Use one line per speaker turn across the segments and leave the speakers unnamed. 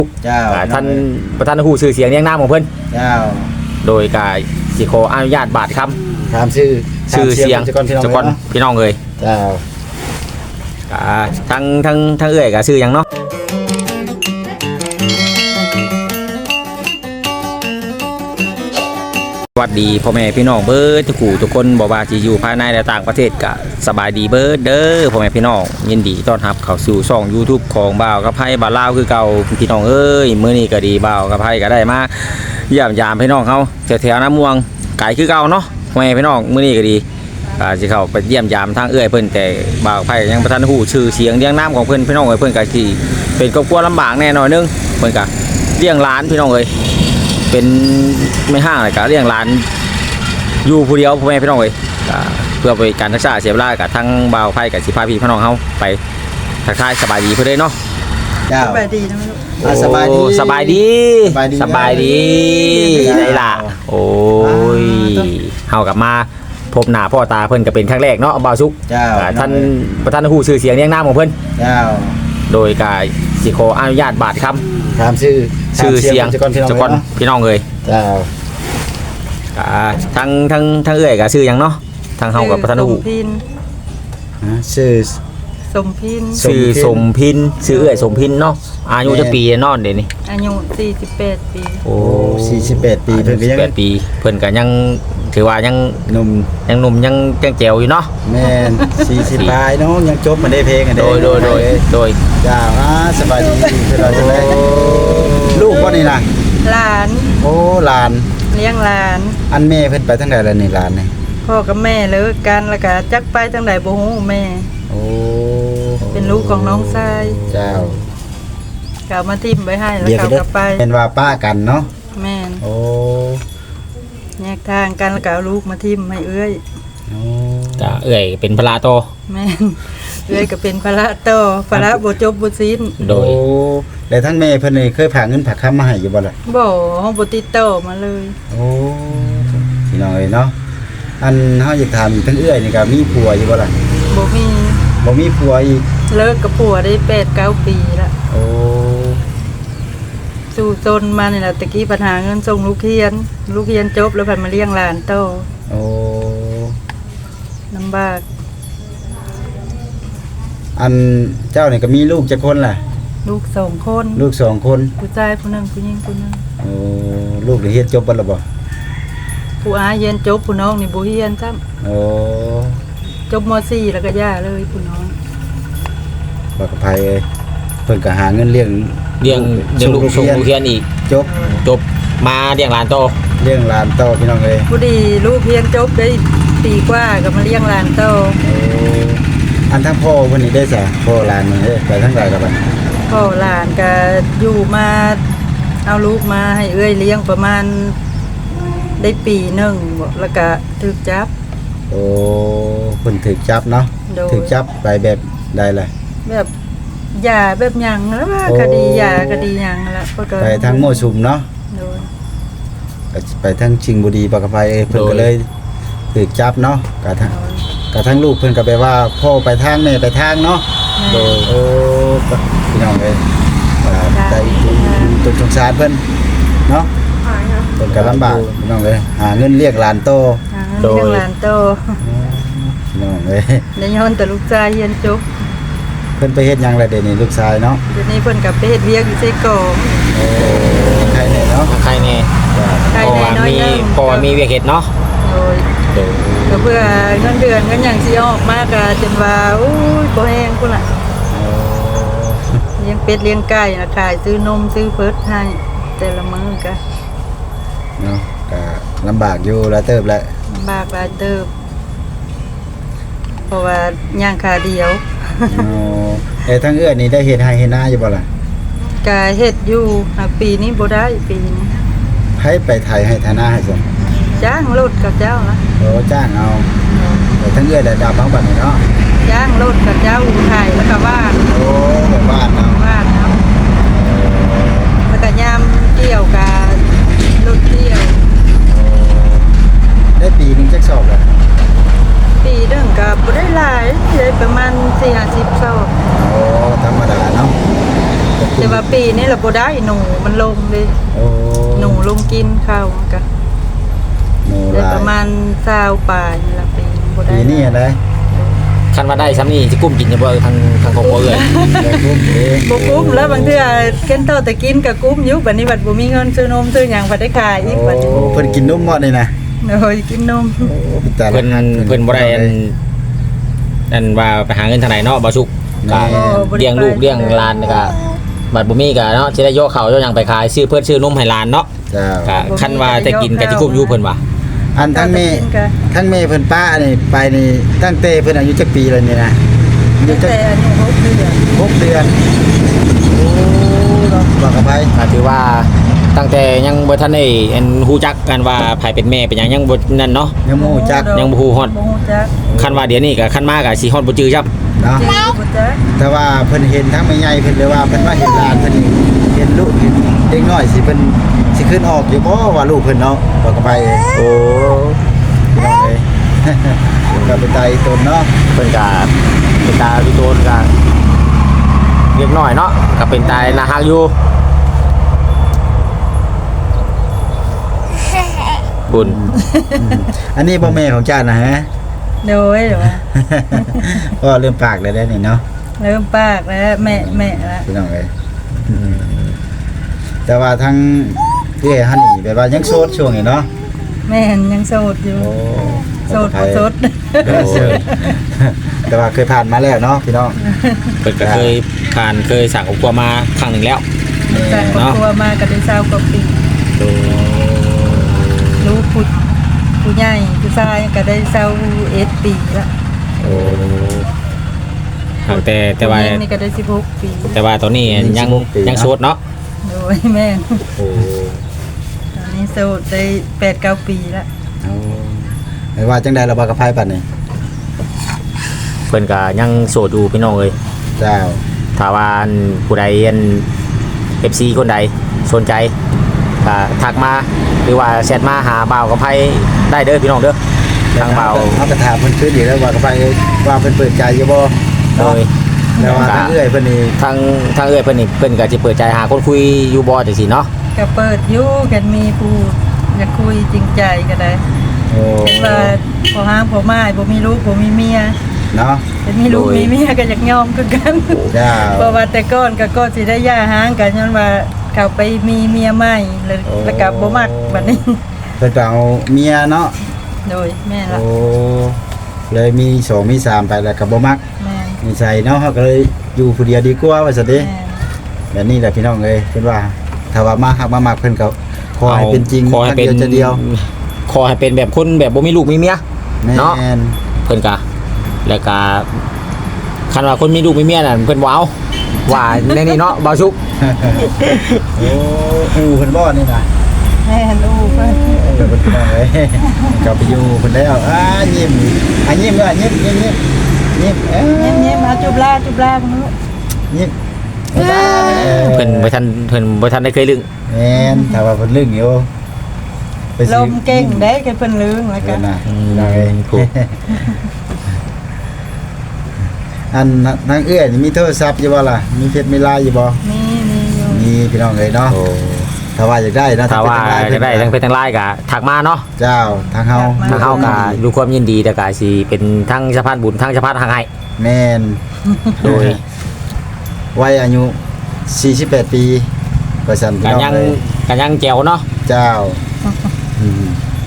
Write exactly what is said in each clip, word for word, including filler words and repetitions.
เจ้า
ท่านประธานผู้ชื่อเสียงเรียงนามของเพิ่น
เจ้า
โดยกายสิขออนุญาตบาทค
ำถามชื่อ
ชื่อเสียงจักรพี่น้องเลย
เจ้า
ทั้งทั้งทั้งเอื้อยกับชื่อยังเนาะสวัสดีพ่อแม่พี่น้องเบิร์ดทุกคู่ทุกคนบอกว่าจะอยู่ภายในและต่างประเทศก็สบายดีเบิร์ดเด้อพ่อแม่พี่น้องยินดีต้อนรับเข้าสู่ช่อง YouTube ของบ่าวกับไพ่บ่าวลาวคือเก่าพี่น้องเอ้ยมื้อนี้ก็ดีบ่าวกับไพ่ก็ได้มาเยี่ยมยามพี่น้องเขาแถวๆน้ำม่วงไก่คือเก่าเนาะพ่อแม่พี่น้องมื้อนี้ก็ดีอ่าสิเข้าไปเยี่ยมยามทางเอื้อยเพิ่นแต่บ่าวไพ่ยังบ่ทันฮู้ชื่อเสียงเรียงนามของเพิ่นพี่น้องเอ้ยเพิ่นก็สิเป็นครอบครัวลำบากแน่หน่อยนึงเพิ่นก็เลี้ยงหลานพี่น้องเอ้ยเป็นไม่ห้างเลยก็เลี้ยงหลานอยู่ผู้เดียวพ่อแม่พี่น้องเลยเพื่อไปการรักษาเสียเวลากับทั้งบ่าวไพ่กับสิพาพี่พี่น้องเขาไปทักทายสบายดีเพื่อนเลยเนาะ
สบายดีนะลูกสบายดี
สบายดีสบายดีได้ล่ะโอ้ยเฮากลับมาพบหน้าพ่อตาเพิ่นก็เป็นครั้งแรกเนาะบ่าวซุกท่านประธานผู้ชื่อเสียงเรียงนามของเพิ่นโดยกายสิขออนุญาตบาทคำ
ถามชื่อ
ชื่อเสียงจักรพี่น้องเลยทั้งทั้งทั้งเอื้อยกับชื่อยังเนาะทางเฮากับประธานผู้
ชื่อ
สมพิน
ชื่อสมพินชื่อเอื้อยสมพินเนาะอายุจะปีนอนเดี๋ยวนี้
อายุสี่สิบแปดปี
โอ้
สี่สิบแปดปีเพิ่นก็ยัง
แปดปีเพิ่นก็ยังถือว่ายัง
หนุ่ม
ยังหนุ่มยังยังแจ๋วอยู่เนาะ
แม่นสี่สิบปลายเนาะยังจบมาได้เพลงกัน
โดยโดยโดยโดย
จ้าสบายดีเพิ่นเราจะได้ลูกบ่นี่ล่ะ
หลาน
โอ้หลาน
เลี้ยงหลาน
อันแม่เพิ่นไปทางใดล่ะนี่หลานนี่
พ่อกับแม่เลิกกันแล้วก็จักไปทางใดบ่ฮู้แม่
โอ้
เป็นลูกของน้องชาย
เจ้า
ก็มาทิ่มไว้ให้แล้วเขากลับไป
เป็นว่าป้ากันเนาะ
แม่น
โอ้
แยกทางกันแล้วก็เอาลูกมาทิ่มให้เอื้อย
โอ้
จ้าเอื้อยเป็นภาระโต
แม่นเอื้อยก็เป็นภาระโตภาระบ่จบบ่สิ้น
โดย
แล้วทั้งแม่เพิ่นนี่เคยฝากเงินฝากคำมาให้อยู่บ่ล่ะ
บ่เฮาบ่ติดต่อมาเลย
โอ้พี่น้องเอ้ยเนาะอันเฮาอยากถามอีกทั้งเอื้อยนี่ก็มีผัวอยู่บ่ล่ะ
บ่มี
บ่มีผัวอีก
เลิกกับผัวได้ แปดเก้า ปีแล้ว
โอ้
สู่จนมานี่ล่ะตะกี้ปัญหาเงินส่งลูกเรียนลูกเรียนจบแล้วพันมาเลี้ยงหลานโต
โอ้
ลำบาก
อันเจ้านี่ก็มีลูกจักคนล่ะ
ลูกสองคน
ลูกสองคน
ผู้ชายผู้นึงผู้หญิงผู้นึง
โอ้ลูกได้เรียนจบบ่ล่ะบ่
ผู้อาเรียนจบผู้น้องนี่บ่เรียนซ้ำ
โอ้
จบม.สี่ แล้วก็ย่าเลยผู้น้อง
บ่กับไผเอ้ยเพิ่นก็หาเงินเลี้ยง
เลี้ยงเลี้ยงลูกส่งลูกเรียนอีก
จบ
จบมาเลี้ยงหลานโต
เลี้ยงหลานโตพี่น้องเอ้ย
ผู้ดีลูกเรียนจบได้ปีกว่าก็มาเลี้ยงหลานโต
โอ้อันทั้งพ่อเพิ่นนี่ได้ซะพ่อหลานนี่เด้ไปทางใดก็บัด
พ่อหลานก็อยู่มาเอาลูกมาให้เอื้อยเลี้ยงประมาณได้ปีนึงบ่แล้วก็ถูกจับ
โอ้เพิ่นถูกจับเนาะถูกจับไปแบบใดล่ะ
แบบยาแบบหยังแล้วว่าคดียาคดีหยังแล้วก็
ไปทางมั่วสุมเนาะ
โดย
ไปทางชิงบุรีปากกไฟเพิ่นก็เลยถูกจับเนาะกะทั้งกะทั้งลูกเพิ่นก็ไปว่าพ่อไปทางแม่ไปทางเนาะโดยโอ้พี่น้องเอ้ยใจตุกสงสารเพิ่นเนาะเพิ่นก็ลำบากพี่น้องเอ้ยหาเงินเลี้ยงหลานโต
โดยหลานโต
พี่น้องเอ้ย
ได้ย้อนแต่ลูกชายเรียนจบ
เพิ่นไปเฮ็ดหยังล่ะเดี๋ยวนี้ลูกชายเนาะ
เดี๋ยวนี้เพิ่นก็ไปเฮ็ดเวียกอยู่ไสกอง
โอ้ใครแน่เนาะ
ใครแน่
ใครแน่น้อยนึง
พอมีเวียกเฮ็ดเนาะ
โดยก็เพื่อเงินเดือนเงินหยังสิออกมาก็จนว่าโอ้ยบ่แฮงพุ่นล่ะเลี้ยงเป็ดเลี้ยงไก่น่ะขายซื้อนมซื้อเพิดให้แต่ละมื้อก็
เนาะก็ลำบากอยู่หลายเติบแหละ
ลำบากหลายเติบเพราะว่าย่างขาเดียว
อ๋อเอ้ทั้งเอื้อนี่ได้เฮ็ดให้เฮ็ดนาอยู่บ่ล่ะ
ก็เฮ็ดอยู่ปีนี้บ่ได้ปีนี้
ให้ไปไถให้ไถนาให้ซั่น
จ้างรถกับเจ้านะ
โอ้จ้างเอาแต่ทั้งเอื้อได้ดาวบางบัดนี่เนาะ
จ้างรถกับเจ้าอู่ไถแล้วก็บ้าน
โอ้แบบบ้านเนาะ
บ้านเนาะแล้วก็ยามเกี่ยวกับรถเกี่ยว
ได้ปีนึงจักสอบล่ะ
ปีนึงก็บ่ได้หลายได้ประมาณ สี่ห้าสิบ สอบ
โอ้ธรรมดาเนาะ
แต่ว่าปีนี่เราบ่ได้หนูมันลงเลย
โอ้
หนูลงกินข้าวมันก็
หนู
ได้
หลาย
ประมาณเศร้าปลายนี่ละปีบ่ได้
ปีนี้อะไร
คันว่าได้ซ้ำนี่สิกุ้มกินอยู่บ่ทางทางครอบครัวเอ้ย
ได้คุ้มเอง
บ่กุ้มแล้วบางเทื่อเกินเท่าแต่กินก็กุ้มอยู่บัดนี้บัดบ่มีเงินซื้อนมซื้อหยังบัดได้ขายอีกบัดนี้
โอ้เพิ่นกินนมหมดนี่นะ
โอ้ยกินนม
โอ้แต่ละ
เพิ่น
ครั้ง
เพิ่นบ่ได้อันอันว่าไปหาเงินทางไหนเนาะบ่สุกก็
แม่
เลี้ยงลูกเลี้ยงหลานก็บัดบ่มีก็เนาะสิได้โยกข้าวโยกหยังไปขายซื้อเพิ่นซื้อนมให้หลานเนาะ
เจ้า
ก็คันว่าจะกินก็สิกุ้มอยู่เพิ่นว่า
อันทั้งแม่ทั้งแม่เพิ่นป้านี่ไปนี่ตั้งแต่เพิ่นอายุจักปีแล้วนี่นะอายุ
ตั้ง
จัก
แต่อันนี้หกเดือน
หกเดือนโอ้เนาะบอกกับไป
ก็ถือว่าตั้งแต่ยังบ่ทันได้อันฮู้จักกันว่าไผเป็นแม่เป็นหยังยังบ่นั่นเนาะ
ยังบ่รู้จัก
ยังบ่ฮู้ฮอด
บ่ฮู้จัก
คันว่าเดี๋ยวนี้ก็คันมาก็สิฮอดบ่จื้อจับ
เนาะ
จริงบ่จัก
แต่ว่าเพิ่นเห็นทั้งแม่ใหญ่เพิ่นเลยว่าเพิ่นว่าเห็นหลานเพิ่นนี่เห็นลูกเห็นเด็กน้อยสิเพิ่นสิขึ้นออกอยู่บ่ว่าลูกเพิ่นเนาะบอกกับไป
โอ้
พี่น้องเอ้ย ก็เป็นไตตนเนาะ
เพิ่นก็เป็นตาพี่โตนก็เล็กน้อยเนาะก็เป็นตาน่าฮักอยู่บุญ
อันนี้บ่แม่ของเจ้านะฮะ
โดยเหรอวะ
ก็เริ่มปากเลยได้นี่เนาะ
เริ่มปากแล้วแม่แม่ละ
พี่น้องเอ้ยอืมแต่ว่าทั้งพี่เอ๋ฮันนี่แบบว่ายังโสดช่วงนี้เนาะ
แม่ยังโสดอยู่
โอ้
โสดบ่โสด
เออโสดแต่ว่าเคยผ่านมาแล้วเนาะพี่น้อง
เพิ่นก็เคยผ่านเคยสั่งอบครัวมาครั้งหนึงแล้ว
จากครอบครัวมาก็ได้เศร้ากว่าปีรู้ผู้ผู้ใหญ่ผู้ชายก็ได้เศร้าเอ็ดปีละ
โอ้แต่แต่ว่า
ผู้หญิงนี่ก็ได้สิบหกปี
แต่ว่าตอนนี้ยังยังโสดเนาะ
โดยแม่น
โอ้
ตอนนี้โสดได้แปดเก้าปีละ
เอาไม่ว่าจังใดเราบ่กับไผปัดนี่
เพิ่นก็ยังโสดอยู่พี่น้องเอ้ย
เจ้า
ถ้าว่าอันผู้ใดอัน เอฟ ซี คนใดสนใจก็ทักมาหรือว่าแชทมาหาบ่าวกับไผได้เด้อพี่น้องเด้อทางบ่าว
เฮาก็ถามเพิ่นคืนอีกแล้วว่ากับไผว่าเพิ่นเปิดใจอยู่บ่
โด
เนาะ
ย
แต่ว่าทางเอื้อยเพิ่นนี่
ทางทางเอ้ยเพิ่นนี่เพิ่นก็สิเปิดใจหาคนคุยอยู่บ่จังซี่เนาะ
ก็เปิดอยู่กันมีผู้อยากคุยจริงใจก็ได้
โอ้
เห็นว่าพอห้างพอไม้บ่มีลูกบ่มีเมีย
เนาะ
เป็นมีลูกมีเมียก็อยากยอมคือกัน
เจ้า
เพราะว่าแต่ก่อนก็ก็สิได้ย่าห้างกันย้อนว่าเขาไปมีเมียใหม่แล้วแล้วก็บ่มักบัดนี้
เพิ่นก็เอาเมียเนาะ
โดยแม่ละ
โอ้เลยมีสองมีสามไปแล้วก็บ่มัก
แม่
นิสัยเนาะเฮาก็เลยอยู่ผู้เดียวดีกว่าว่าซั่นเด้
แม่
แบบนี้แหละพี่น้องเอ้ยเพิ่นว่าถ้าว่ามาฮักมามักเพิ่นก็ขอให้เป็นจริง
ขอให้เป็น
ครั้งเดียวจะเดียว
ขอให้เป็นแบบคนแบบบ่มีลูกมีเมีย เนาะ
แม่น
เพิ่นก็แล้วก็คันว่าคนมีลูกมีเมียนั่นเพิ่นบ่เอาว่าในนี้เนาะบ่าวชุก
โอ้อูเพิ่นบ่นี่นะ
แม่ลูกเพิ่น
เดี๋ยวเพิ่นพี่น้องเอ้ยกลับไปอยู่เพิ่นแล้วอ่ายิ้มอ่ะยิ้มด้วยยิ้มยิ้มยิ้มยิ้มเอ้ย
เงียบๆมาจุบลาจุบลาพุ่นลูก
ยิ้ม
เพิ่นบ่ทันเพิ่นบ่ทันได้เคยลึง
แม่นถ้าว่าเพิ่นลึงอยู่ไป
ล
สิ
มเก่งได้กันเพิ่นลืงแล้ว
เพิ่
กัน
นน่ะพี่น้องเอ้ย
ถูก
อันนางเอื้อยนี่มีโทรศัพท์อยู่บ่ล่ะมีเฟซมีไลน์อยู่บ่
มีมีอยู่
มีพี่น้องเอ้ยเนาะ
โอ้
ถ้าว่าอยากได้นะ
ถ้าว่า
เป็น
ได้
ทาง
ทั้งเป็นทั้งไลน์ก็ทักมาเนาะ
เจ้าทางเฮา
ทางเฮาก็ดูความยินดีแต่ก็สิเป็นทั้งสะพานบุญทั้งสะพานทางให้
แม่น
โดย
วัยอายุสี่สิบแปดปีก็สั่นพี่
ก็
น้อง
ยัง
เลย
ก็ยังแจ๋วเนาะ
เจ้าอืม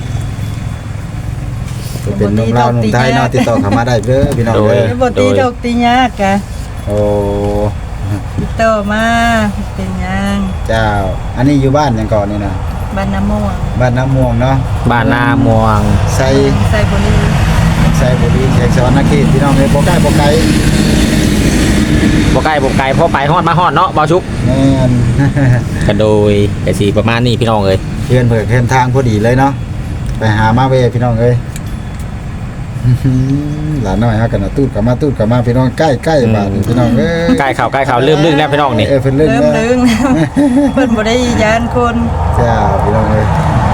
ก็เป็นนุ่มลาวนุ่มไทยเนาะติดต่อเข้ามาได้เด้อพี่น้องเด้อ
แล้วบ่ตีดอกตียากกะ
โอ้
ติดต่อมาเป็นหยัง
เจ้า อันนี้อยู่บ้านหยังก่อนนี่นะ
บ้านน้ำม่วง
บ้านน้ำม่วงเนาะ
บ้านนาม่วง
ใส่
ใส่บุรี
ใส่บุรีแขกสวรรณเขตพี่น้องเอ้ยบ่ใกล้บ่ไกล
บ่ใกล้บ่ไกลพอไปฮอดมาฮอดเนาะบ่าวชุก
แม่น
ก็โดยก็สิประมาณนี้พี่น้องเอ้ย
เพื่อนเพิ่นเพิ่นทางพอดีเลยเนาะไปหามาเว้ยพี่น้องเอ้ยอื้อหือหลานน้อยเฮากันน่ะตูดกลับมาตูดกลับมาพี่น้องใกล้ๆบ้านนี่พี่น้องเอ้ย
ใกล้เข้าใกล้เข้าเริ่มลึกแล้วพี่น้องนี่
เออเพิ่นเริ่ม
เริ่ม
แล้ว
ลึง เพิ่นบ่ได้ยานคน
จ้าพี่น้องเอ้ย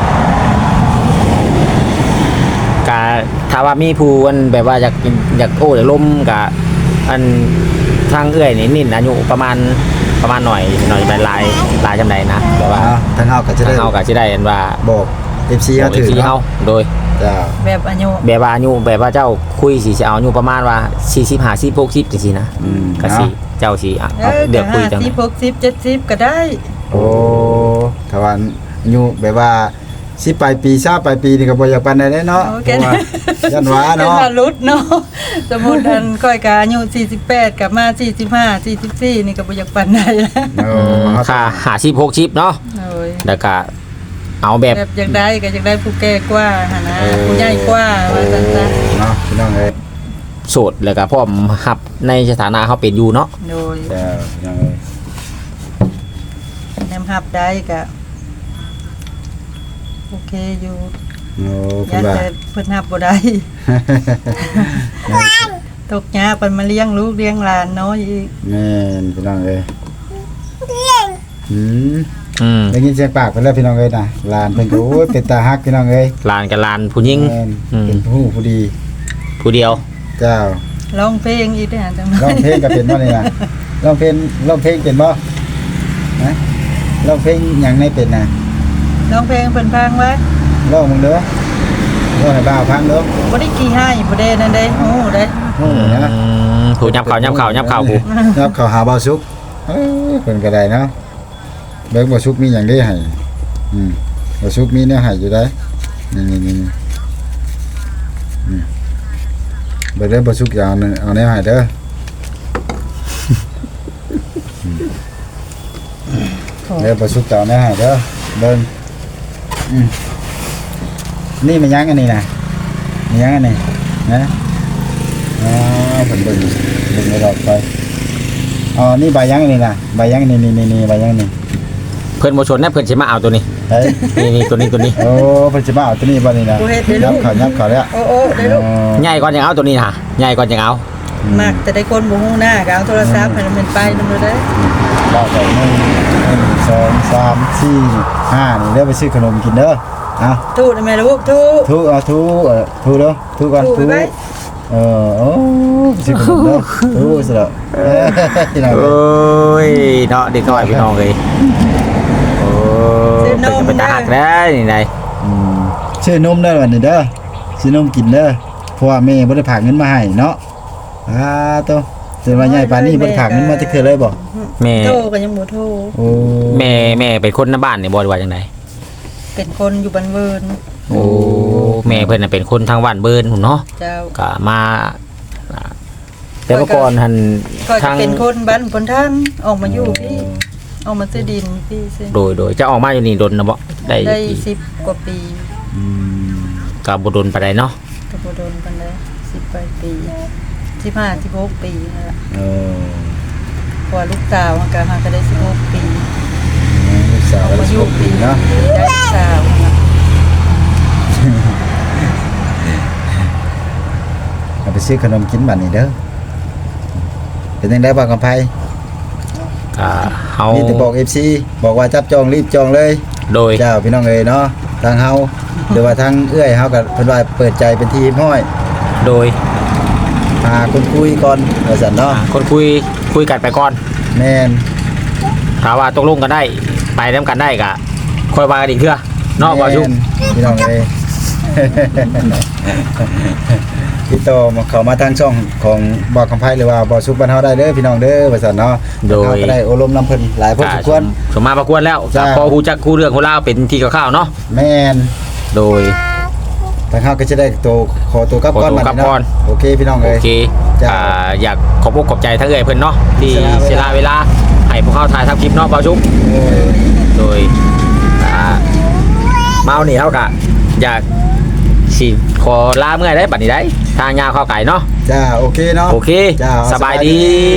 กะถ้าว่ามีผู้อันแบบว่าอยากอยากโอ้อยากล้มกะอันทางเอื้อยนี่นิ่นอายุประมาณประมาณหน่อยหน่อยเป็นลายลายจำไดนะแต่ว่า
อ่าทางเฮาก็จะได้
ทางเฮาก็สิได้อันว่า
บอก เอฟ ซี เฮาถือ
เฮา
เนาะ
โดย
จ้า
แบบอายุ
แบบว่าอายุแบบว่าเจ้าคุยสิสิเอาอายุประมาณว่าสี่สิบ ห้าสิบ หกสิบจังซี่นะ
อืม
ก็สิเจ้าสิอ่ะ
เอ
เอา
อ
เดี๋ยวคุยจัง
สิบหกสิบเจ็ดสิบก็ได้
โอ้ถ้าว่าอายุแบบว่าสิปลายปีซาปลายปีนี่ก็บ่อยากปานใดเด้เนาะ
โอ
เพ
เค
ราะว่ายันว่า
เป็น
เนาะ
ว่ารุดเนาะสมมุติอันก้อยก็อายุสี่สิบแปดกลับมาสี่สิบห้า สี่สิบสี่นี่ก็บ่อยากปานใดแล้ว
โอ้
ค่าห้าสิบ หกสิบเนาะ
โอ้ย
แล้วก็เอาแบบ
แบบอยากได้ก็อยากได้ผู้แก่กว่าหั่นนะ
เออ
ผู้ใหญ่กว่าว่าซั่นซะ
เนาะพี่น้องเอ้ย
โสดแล้วก็พร้อมรับในสถานะเขาเป็นอยู่เนาะ
โดย
จ้าพี่น้องเอ้ย
แนมรับได้ก็โอเคอยู่
โอ้เพิ่
ยั
น
น
ว่า
แต่เพิ่นรับบ่ได้ ตกยากเพิ่นมาเลี้ยงลูกเลี้ยงหลานน้อยอีก
แม่นพี่น้องเอ้ยอืม
อืม
ได้ยินเสียงปากเพิ่นแล้วพี่น้องเอ้ยนะหลานเพิ่นก็โอ้ยเป็นตาฮักพี่น้องเอ้ย
ลานกับลานผู้หญิง
แม่น
อืม
เป็นผู้ผู้ดี
ผู้เดียว
เจ้า
ร้องเพลงอีกเด้อจัง
ร้องเพลงก็เป็นบ่นี่นะร้องเพลงร้องเพลงเป็นบ่ฮะร้องเพลงหยังในเป็นน่ะ
ร้องเพลงเพิ่นฟังไว้
ร้องมึงเด้อร้องให้บ่าวฟังเด้อ
บ่ได้ขี้ให้บ่ได้นั่นเด้ฮู้เด้
โอ้ยนะ
อืมผู้ยับเข่ายับเข่ายับเข่าผู้
ยับเข้าหาบ่าวสุกเอ้ยเพิ่นก็ได้เนาะเบิ่งบ่าวสุกมีหยังได้ให้อืมบ่าวสุกมีแนวให้อยู่ได้นี่ๆๆๆอืมเบิ่งเด้อบ่าวสุกอย่าเอาแนวเอาแนวให้เด้อ เดี๋ยวประชุกต่อแม่ให้เด้อเบิ่งอืมนี่มันยังอันนี้นะมันยังอันนี้นะอ๋อเพิ่นเบิ่งเบิ่งรอบไปอ๋อนี่ใบยังอันนี้นะใบยังนี่นี่นี่ใบยังนี่
เพิ่นบ่ชนนะเพิ่นสิมาเอาตัวนี้
เฮ้ย
นี่นี่ตัวนี้ตัวนี้
โอ้เพิ่นสิมาเอาตัวนี้บ่นี่นะ
บ่เฮ็ดได้
ยั
ลู
บ
ก
เขายับเขาแล้ว
โอ้โอ้ได้ลูก
ใหญ่ก่อนยังเอาตัวนี้นะใหญ่ก่อนยังเอา
มักแต่ได้คนบ่ฮู้หน้าก็เอาโทรศัพท์ให้มันไปนำเด้อ
บ่ใส่หนึ่งหนึ่งสองสามสี่ห้านี่เด้อไปซื้อขนมกินเด้อเอา
ทูได้ไหมลูกทู
ทุเอาทุเออทุเด้อทุก่อน
ทู
ทุ
ไป
เออโอ้สิขนมเด้อทุสิเด้อเอ้ยพี่น้อง
โอ
เอ้ย้
ยเนาะเด็กน้อยพี่น้องเอ้ยโอ้เพิ่นก็เป็นตาหักได้นี่ได
อืมชื่อนมเด้อวันนี้เด้อชื่อนมกินเด้อเพราะว่าแม่บ่ได้ฝากเงินมาให้เนาะอ่าโตจนว่าใหญ่ปานนี้บ่ได้ฝากเงินมาจักเทื่อเลยบ่
แม่
โทรก็ยังบ่โทร
โอ้
แม่แม่เป็นคนในบ้านนี่บ่ได้ว่าจังได
เป็นคนอยู่บ้านเวิร์น
โอ้แม่เพิ่นน่ะเป็นคนทางบ้านเบิ่นพุ่นเนาะ
เจ้า
ก็มาอ่าแต่เมื่อก่อนหัน
ก็
ทา
จะ
ง
เป็นคนบ้านคนทางออกมาอยู่พี่ออกมาซื้อดินพี่ซื้อ
โดยโดยจะออกมาอยู่นี่ดนนะบ่ได้
ได้สิบกว่าปี
อืม
ก็บ่ดนปานใดเนาะ
ก็บ่โดนกันเลยสิบปลายปีสิบห้าสิบหกปีนั่นแหละ
เออ
พอลูกสาวมันก็หาก็ได้สิบหกปี
ลูกสาว
ออก
ได้
มาอ
สิบ
ยู่
หกปีเนาะ
ได้ลูกสาวนั่นล่ะ
เอาไปซื้อขนมกินบัดนี้เด้อเป็นจังได๋บ่กำไผ
ก็เฮา
มีแต่บอก เอฟ ซี บอกว่าจับจองรีบจองเลย
โดย
เจ้าพี่น้องเอ้ยเนาะทางเฮาหรือว่าทางเอื้อยเฮาก็เพิ่นว่าเปิดใจเป็นที่ห้อย
โดย
หาคนคุยก่อนว่าซั่นเนาะ
อ่าคนคุยคุยกันไปก่อน
แม่น
ถ้าว่าตกลงกันได้ไปนํกันได้ก็ค่อยว่ากันอีกเทื่อเนาะบ่ชุก
แม่นพี่น้องเอ้ย พี่โตมาเข้ามาทางช่องของบ่อคำไผหรือว่าบ่อสุกบ้านเฮาได้เด้อพี่น้องเด้อว่าซั่นเนาะ
โดย
เฮาก็ได้อบรมนํเพิ่นหลายพอสมควร
สมมาประกวดแล้ว
จ้า
พอฮู้จักคู่เรื่องของราวเป็นที่คร่าวๆเนาะ
แม่น
โดย
ทางเฮาก็จะได้ตัวขอตัวกลับก่อน
ขอตัว
บัด
กลับ
นี้
ก่อ
เนาะ
น
โอเคพี่น้อง
โอ
เอ้ย
เค
จ้า
อ่าอยากขอบอกขอบใจทั้งเอ่ยเพิ่นเนาะที่
เสี
เสี
ย
ย
เวลา
เวลาให้พวกเขาถ่ายทำคลิปเนาะบ่าวชุก
โอ้ย
โดยอ่าเมานี่เฮาก็อยากสิขอลาเมื่อยได้บัดนี้ได้ทางยาวเข้าไก่เนาะ
จ้าโอเคเนาะ
โอเค
จ้า
สบายดี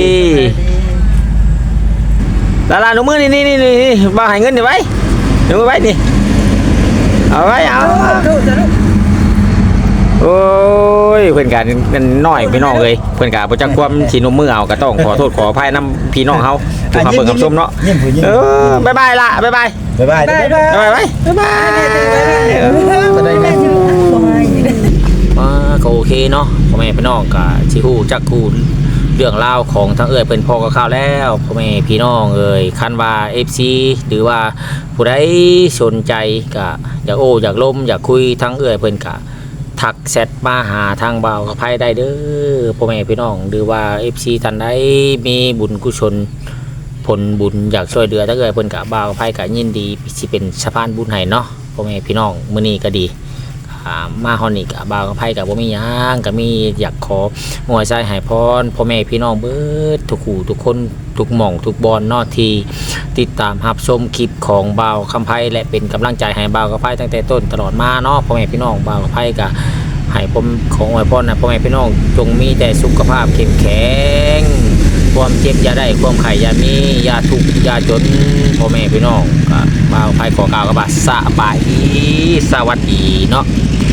ไปดี
ลาลาหนูมือนี่นี่นี่นี่บ่าวให้เงินนี่ไว้หนูไว้นี่เอาไว้เอา
ลูกจะลูก
โอ้ยเพิ่นก็นั่นน้อยพี่น้องเอ้ยเพิ่นก็บ่จักความสินมมือเอาก็ต้องขอโทษขออภัยนํพี่น้องเฮาทุกคำเบิ่งคำชมเนาะ
ยิ้มผู้ยิ้ม
เออบ๊ายบายละบ๊ายบาย
บ๊ายบายเด้อ
บ๊ายบายไว้บ๊ายบาย
จะได้แม่
บ่ให้
มาก็โอเคเนาะพ่อแม่พี่น้องก็สิฮู้จักคู่เรื่องราวของทั้งเอ่ยเพิ่นพอก็ข่าวแล้วพ่อแม่พี่น้องเอ่ยคันว่า เอฟ ซี หรือว่าผู้ใดสนใจก็อยากโอ้อยากล้มอยากคุยทั้งเอ่ยเพิ่นก็ทักแชทมาหาทางบ่าวกับไผได้เด้อพ่อแม่พี่น้องหรือว่า เอฟ ซี ท่านใดมีบุญกุศลผลบุญอยากช่วยเหลือทั้งเอ่ยเพิ่นก็บ่าวกับไผก็ยินดีสิเป็นสะพานบุญให้เนาะพ่อแม่พี่น้องมื้อนี้ก็ดีมาฮอนิกบ่าวกับไผกับบ่มีหยังก็มีอยากขอมวยใจให้พรพ่อแม่พี่น้องเบิดทุกคู่ทุกคนทุกหม่องทุกบอลเนาะที่ติดตามรับชมคลิปของบ่าวคำไผและเป็นกำลังใจให้บ่าวกับไผตั้งแต่ต้นตลอดมาเนาะพ่อแม่พี่น้องบ่าวกับไผก็ให้ผมของอวยพรนะพ่อแม่พี่น้องจงมีแต่สุขภาพเข้มแข็งความเจ็บอย่าได้ความไข้อย่ามีอย่าทุกข์อย่าจนพ่อแม่พี่น้องก็บ่าวไผขอกล่าวกับว่าสบายดีสวัสดีเนาะ